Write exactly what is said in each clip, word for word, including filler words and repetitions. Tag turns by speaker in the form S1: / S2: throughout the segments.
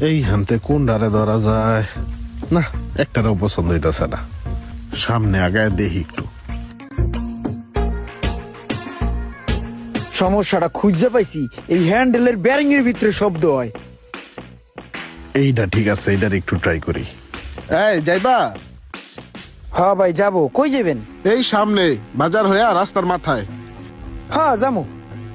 S1: এই হানতে কোন ডারে ধরা যায় না, একটারও পছন্দ হইতেছে না। সামনে আগায় দেখি একটু।
S2: সমস্যাটা খুঁজে পাইছি, এই হ্যান্ডেলের ব্যারিং এর ভিতরে শব্দ হয়।
S1: এইটা ঠিক আছে, এইটার একটু ট্রাই করি। এই যাইবা?
S2: হ্যাঁ ভাই যাবো। কই যাবেন?
S1: এই সামনে বাজার হইয়া রাস্তার মাথায়।
S2: হ্যাঁ যাবো।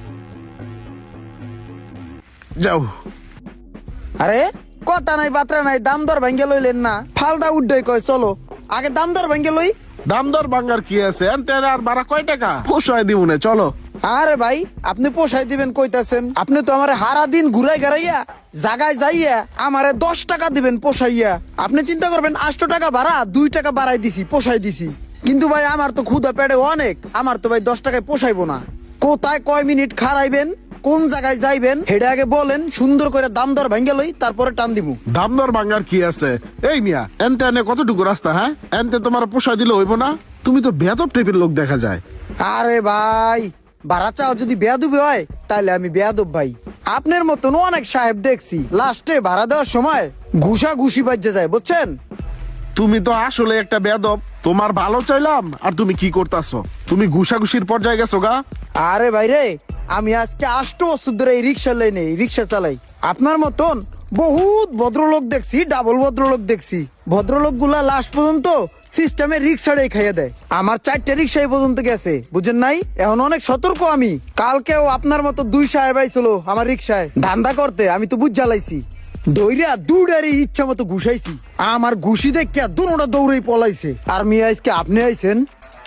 S1: যাও।
S2: আরে কথা নাই বাত্রা নাই, দাম দর ভাঙ্গে লইলেন না, ফালদা উড্ডাই কয় চলো আগে দাম দর ভাঙ্গে লই।
S1: দাম দর বাঙ্গার কি আছে, এনতে আর বাড়া কয় টাকা পোষায় দিব না, চলো।
S2: আরে ভাই আপনি পোষাই দিবেন কইতাছেন, আপনি তো আমারে হারা দিন ঘুরাই ঘারাইয়া জাগায় যাইয়া আমারে দশ টাকা দিবেন পোষাইয়া। আপনি চিন্তা করবেন আটশো টাকা ভাড়া দুই টাকা বাড়াই দিছি, পোষাই দিছি। কিন্তু ভাই আমার তো ক্ষুধা পেটে অনেক, আমার তো ভাই দশ টাকায় পোষাইবো না। কোথায় কয় মিনিট খারাইবেন, কোন জায়গায় যাইবেন হেডে আগে বলেন, সুন্দর করে দাম দর ভাঙ্গে লই তারপরে টান দিমু।
S1: দাম দর বাঙ্গার কি আছে? এই মিয়া এনতে এনে কতটুকু রাস্তা, হ্যাঁ? এনতে তোমার পোষায় দিলে হইব না? তুমি তো বেয়াদব টাইপের লোক দেখা যায়।
S2: আরে ভাই ভাড়া চাও যদি বেয়াদবি হয় তাহলে আমি বেয়াদব ভাই। আপনার মতন অনেক সাহেব দেখছি, লাস্টে ভাড়া দেওয়ার সময় ঘুষা ঘুষি বাজে যায়, বুঝছেন?
S1: তুমি তো আসলে একটা বেয়াদব। তোমার ভালো চাইলাম আর তুমি কি করতাছো? তুমি ঘুষাঘুষির পর্যায়ে গেছো গা।
S2: আরে ভাই রে, আমি আজকে আষ্ট বছর ধরে এই রিক্সা লাইনে রিক্সা চালাই। আপনার মতন বহুত ভদ্রলোক দেখছি, ডাবল ভদ্রলোক দেখছি। ভদ্রলোক গুলা লাস্ট পর্যন্ত সিস্টেমে রিক্সাটাই খাইয়ে দেয়। আমার চারটে রিক্সা এই পর্যন্ত গেছে, বুঝেন নাই? এখন অনেক সতর্ক আমি। কালকেও আপনার মতো দুই সাহেব আইছিল আমার রিক্সায় ধান্দা করতে, আমি তো বুঝ জ্বালাইছি। দৌড়া দুডারি ইচ্ছা মতো ঘুষাইছি, আমার ঘুষি দেখে দুটা দৌড়েই পলাইছে। আর মিয়া আজকে আপনি আইছেন।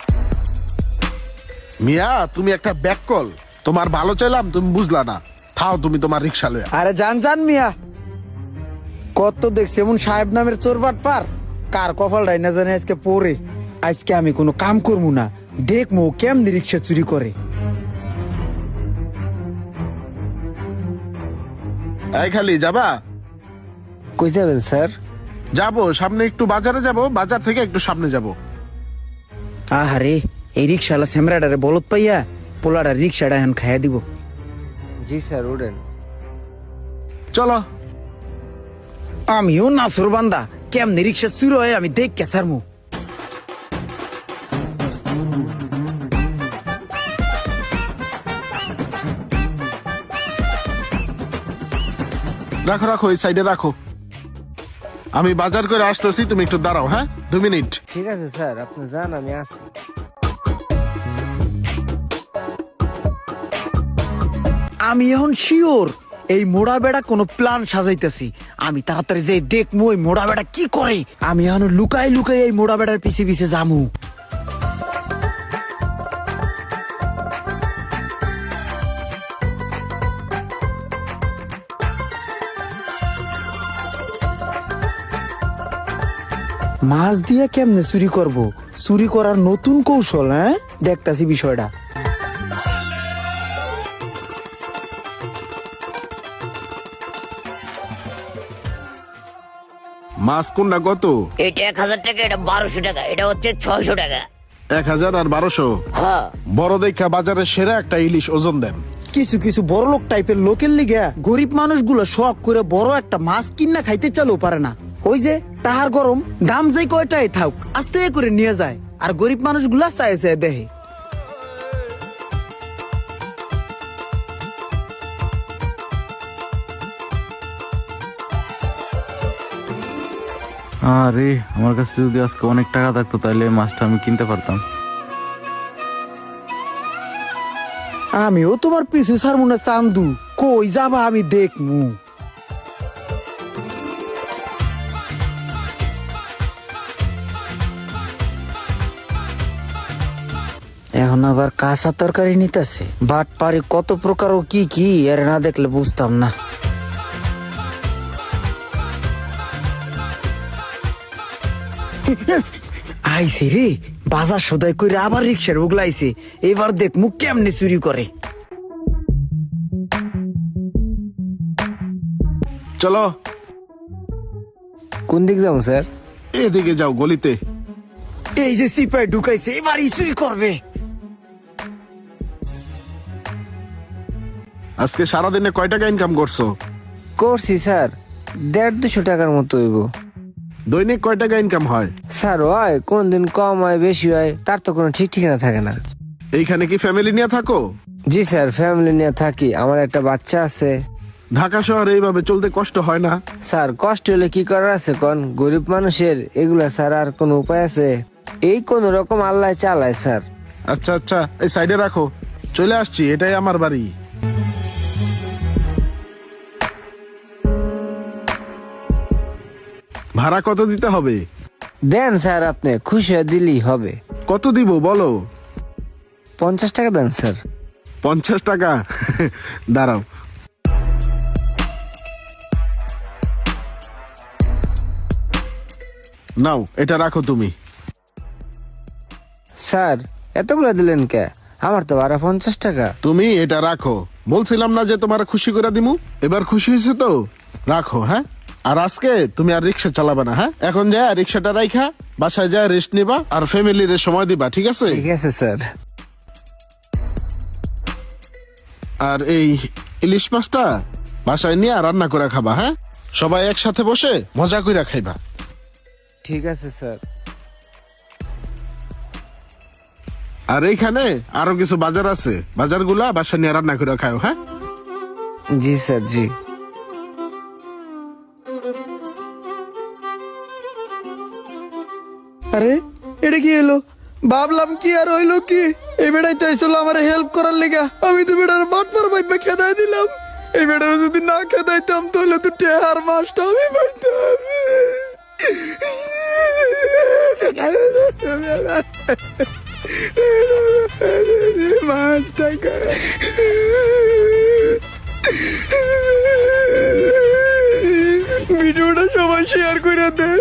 S1: মিয়া তুমি একটা ব্যাককল। তোমার ভালো চাইলাম, তুমি বুঝলা না। থাও তুমি তোমার রিক্সা লয়া।
S2: আরে জান জান মিয়া, কত দেখছি এমন সাহেব নামের চোরবাট পার, কার কপালটাই না জানে আজকে পরে। আজকে আমি কোনো কাম করবো না, দেখবো কেমনি রিক্সা চুরি করে।
S1: এই খালি যাবা?
S3: কই যাবেন স্যার?
S1: যাবো সামনে একটু বাজারে যাব, বাজার থেকে একটু সামনে যাব।
S2: আহারে এই রিক্সাওয়ালা স্যামরাডারে বলত পাইয়া পোলাডার রিক্সাটা এখন খাইয়া দিব।
S3: জি স্যার উঠেন।
S1: চলো।
S2: আমিও নাসুর বান্দা, কেমনি রিক্সা চুরি হয় আমি দেখ কে সারমু।
S1: রাখো রাখো, এই সাইডে রাখো। আমি বাজার করে আসতেছি, তুমি একটু দাঁড়াও। হ্যাঁ, দু মিনিট।
S3: ঠিক আছে স্যার, আপনি যান, আমি আসি।
S2: আমি এখন শিওর এই মোড়া বেড়া কোনো প্ল্যান সাজাইতেছি। আমি তাড়াতাড়ি যে দেখমু এই মোড়া বেড়া কি করে। আমি এখন লুকাই লুকাই এই মোড়া বেড়ার পিছে পিছে যামু। মাছ দিয়া কেমনে চুরি করব? চুরি করার নতুন কৌশল, হ্যাঁ দেখতাছি বিষয়টা।
S1: মাছ কোনটা কত?
S4: এটা এক হাজার টাকা, এটা বারোশো টাকা, এটা হচ্ছে ছয়শো টাকা।
S1: এক হাজার আর বারোশো।
S4: হ্যাঁ
S1: বড় দেখা বাজারের সেরা একটা ইলিশ ওজন দেন।
S2: কিছু কিছু বড় লোক টাইপের লোকের লিগে গরিব মানুষগুলো শখ করে বড় একটা মাছ কিনা খাইতে চালেও পারে না। ওই যে তাহার গরম দাম যাই কয়টাই থাক আস্তে করে নিয়ে যায়, আর গরিব মানুষগুলা চায় চায় দেহে।
S5: আরে আমার কাছে যদি আজকে অনেক টাকা থাকতো তাহলে এই মাছটা আমি কিনতে পারতাম।
S2: আমিও তোমার পিছু ছাড়মু না চান্দু, কই যাবা আমি দেখমু। এখন আবার কাঁচা তরকারি নিতেছে, বাট পারি কত প্রকার ও কি কি এর না দেখলে বুঝতাম না। আইছে রে বাজার সদাই করে আবার রিক্সার উগলাইছে, এবার দেখ মুখ কেমনে চুরি করে।
S1: চলো।
S3: কোন দিক যাবো স্যার?
S1: এদিকে যাও, গলিতে।
S2: এই যে সিপাই ঢুকাইছে, এবারই চুরি করবে।
S1: আজকে সারাদিনে কয় টাকা ইনকাম করছো?
S3: করছি স্যার দেড় দুশো টাকার মতো হইব।
S1: দৈনিক কয় টাকা ইনকাম হয়?
S3: স্যার হয় কোন দিন কম হয় বেশি হয় তার তো কোনো ঠিক ঠিকানা থাকে না।
S1: এইখানে কি ফ্যামিলি নিয়ে থাকো?
S3: জি স্যার, ফ্যামিলি নিয়ে থাকি, আমার একটা বাচ্চা আছে।
S1: ঢাকা শহরে এইভাবে চলতে কষ্ট হয় না?
S3: স্যার কষ্ট হলে কি করার আছে কোন, গরিব মানুষের এগুলা স্যার আর কোন উপায় আছে? এই কোন রকম আল্লাহ চালায় স্যার।
S1: আচ্ছা আচ্ছা, এই সাইডে রাখো, চলে আসছি, এটাই আমার বাড়ি। ভাড়া কত দিতে হবে?
S3: দেন স্যার, আপনি খুশি হয়ে দিলেই হবে।
S1: কত দিব বলো?
S3: পঞ্চাশ টাকা দেন স্যার।
S1: পঞ্চাশ টাকা? দাঁড়াও। নাও, এটা রাখো তুমি।
S3: স্যার এতগুলো দিলেন কে? আমার তো ভাড়া পঞ্চাশ টাকা।
S1: তুমি এটা রাখো, বলছিলাম না যে তোমার খুশি করে দিমু? এবার খুশি হয়েছে তো? রাখো। হ্যাঁ, আর আজকে তুমি আর রিক্সা চালাবা না। হ্যাঁ, এখন যা রিক্সাটা রাইখা বাসায় যা রেস্ট নিবা আর ফ্যামিলির সময় দিবা, ঠিক আছে?
S3: ঠিক আছে স্যার।
S1: আর এই ইলিশ মাছটা বাসায় নিয়ে রান্না করে খাবা। হ্যাঁ, সবাই একসাথে বসে মজা করে খাইবা।
S3: ঠিক আছে স্যার।
S1: আর এইখানে আরো কিছু বাজার আছে, বাজারগুলা বাসায় নিয়ে রান্না করে খাও। হ্যাঁ,
S3: জি স্যার, জি।
S2: আরে এটা কি হলো? ভাবলাম কি আর হইলো কি, এই বেড়াই তো আইসলো আমার হেল্প করার লেগা, আমি তো বেড়ার বাটপার ভাইবা খেদাই দিলাম। এই বেড়ার যদি না খেদাইতাম তাহলে তো টেহার মাছটা আমি পাইতাম। মাছটা ভিডিওটা সবাই শেয়ার করে দেয়।